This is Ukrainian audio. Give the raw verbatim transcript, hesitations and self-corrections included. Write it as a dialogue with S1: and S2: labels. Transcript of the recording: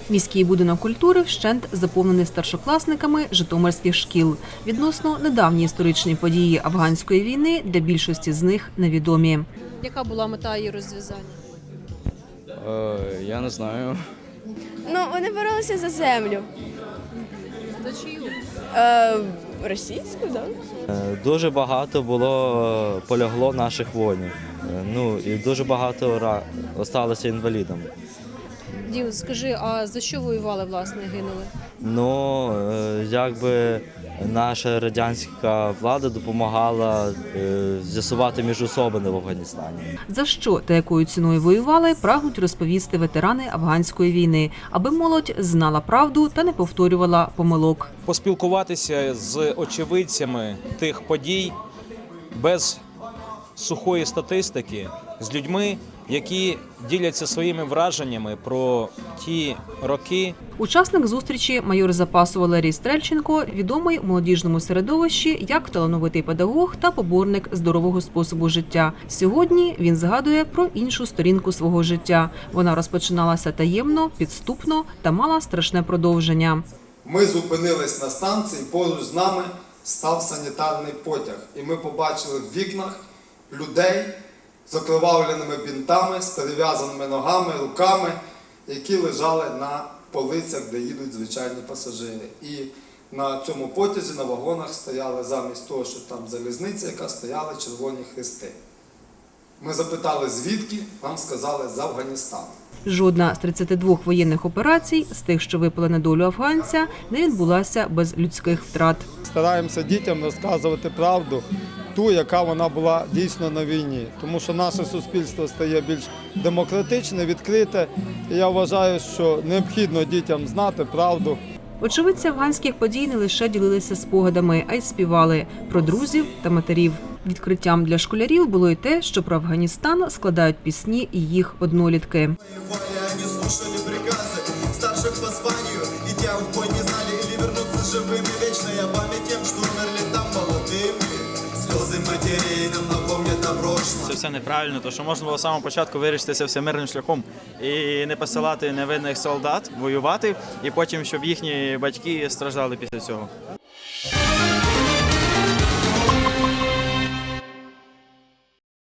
S1: Міський будинок культури вщент заповнений старшокласниками житомирських шкіл. Відносно недавні історичні події афганської війни для більшості з них невідомі.
S2: Яка була мета її розв'язання?
S3: Е, я не знаю.
S4: Ну, вони боролися за землю.
S2: За чию?
S4: Е, російську, так?
S3: Е, дуже багато було полягло наших воїнів. Е, ну і дуже багато ра... осталося інвалідами.
S2: Дім, скажи, а за що воювали, власне, гинули?
S3: Ну, е, якби наша радянська влада допомагала е, з'ясувати міжособини в Афганістані.
S1: За що та якою ціною воювали, прагнуть розповісти ветерани афганської війни, аби молодь знала правду та не повторювала помилок.
S5: Поспілкуватися з очевидцями тих подій без сухої статистики, з людьми, які діляться своїми враженнями про ті роки.
S1: Учасник зустрічі майор запасу Валерій Стрельченко відомий у молодіжному середовищі як талановитий педагог та поборник здорового способу життя. Сьогодні він згадує про іншу сторінку свого життя. Вона розпочиналася таємно, підступно та мала страшне продовження.
S6: Ми зупинились на станції, поруч з нами став санітарний потяг. І ми побачили в вікнах людей з окровавленими бінтами, з перев'язаними ногами, руками, які лежали на полицях, де їдуть звичайні пасажири. І на цьому потязі, на вагонах стояли замість того, що там залізниця, яка стояли червоні хрести. Ми запитали, звідки, нам сказали, з Афганістану.
S1: Жодна з тридцяти двох воєнних операцій, з тих, що випали на долю афганця, не відбулася без людських втрат.
S7: Стараємося дітям розказувати правду, ту, яка вона була дійсно на війні. Тому що наше суспільство стає більш демократичне, відкрите. І я вважаю, що необхідно дітям знати правду.
S1: Очевидці афганських подій не лише ділилися спогадами, а й співали про друзів та матерів. Відкриттям для школярів було й те, що про Афганістан складають пісні і їх однолітки.
S8: Це все неправильно, тому що можна було з самого початку вирішити це все мирним шляхом і не посилати невинних солдат воювати, і потім, щоб їхні батьки страждали після цього.